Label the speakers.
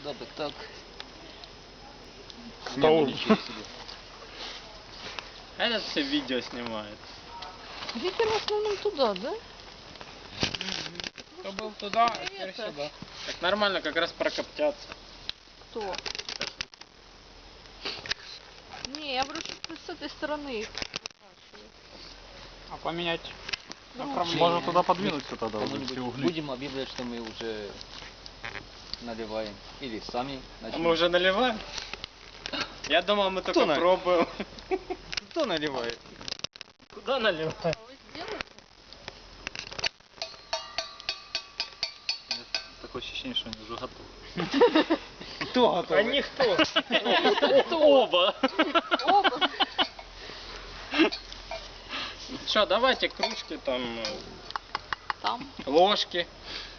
Speaker 1: Да, так.
Speaker 2: Стол.
Speaker 3: Этот все видео снимает.
Speaker 4: Ветер в основном туда, да?
Speaker 3: Кто был туда, а теперь
Speaker 4: это?
Speaker 3: сюда. Так нормально, как раз прокоптятся.
Speaker 4: Кто? Не, я говорю, что с этой стороны их выкашивают.
Speaker 3: А поменять направление.
Speaker 2: Можно туда подвинуться тогда уже
Speaker 1: Кому-нибудь
Speaker 2: все угли.
Speaker 1: будем объявлять, что мы уже наливаем. Или сами
Speaker 3: А
Speaker 1: начнем.
Speaker 3: мы уже наливаем? Я думал, мы только
Speaker 1: на-
Speaker 3: пробуем.
Speaker 1: Кто наливает?
Speaker 3: Куда наливаем?
Speaker 4: А вы сделаете?
Speaker 2: Такое ощущение, что они уже готовы.
Speaker 1: Кто готов?
Speaker 3: А никто.
Speaker 4: Оба.
Speaker 3: Оба. Что, давайте кружки там,
Speaker 4: Там.
Speaker 3: ложки.